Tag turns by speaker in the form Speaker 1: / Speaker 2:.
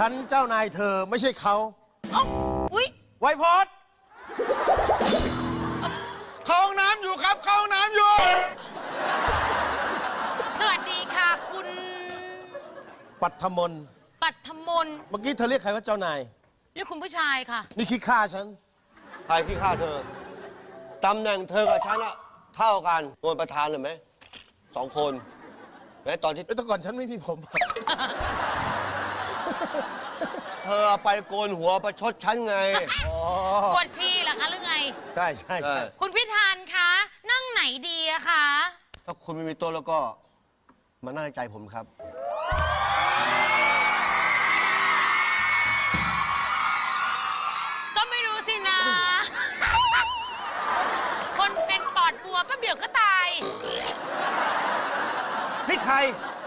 Speaker 1: ฉันเจ้านายเธอไม่ใช่เขา
Speaker 2: อุ๊ย
Speaker 1: ไวโพสเข้าห้องน้ำอยู่ครับเข้าห้องน้ำอยู่
Speaker 2: สวัสดีค่ะคุณ
Speaker 1: ปัทมน
Speaker 2: ปัทมน
Speaker 1: เมื่อกี้เธอเรียกใครว่าเจ้านาย
Speaker 2: เรียกคุณผู้ชายค่ะ
Speaker 1: นี่คิดฆ่าฉัน
Speaker 3: ใครที่ฆ่าเธอ ตำแหน่งเธอกับฉันอะเท่ากันโดนประธานเลยไหม2 คนแม้ตอนที่
Speaker 1: แต่ก่อนฉันไม่มีผม
Speaker 3: เธอเอาไปโกนหัวประชดฉันไง
Speaker 1: อ๋อ
Speaker 2: ปวดชีเหรอคะหรือไง
Speaker 1: ใช่ใช่ใช่
Speaker 2: คุณพิธานคะ นั่งไหนดีอะคะ
Speaker 3: ถ้าคุณไม่มีโต๊ะแล้วก็มานั่งในใจผมครับ
Speaker 2: ก็ไม่รู้สินะ คนเป็นปอดบัวแป๊บเดียวก็ตาย
Speaker 1: นี่ใคร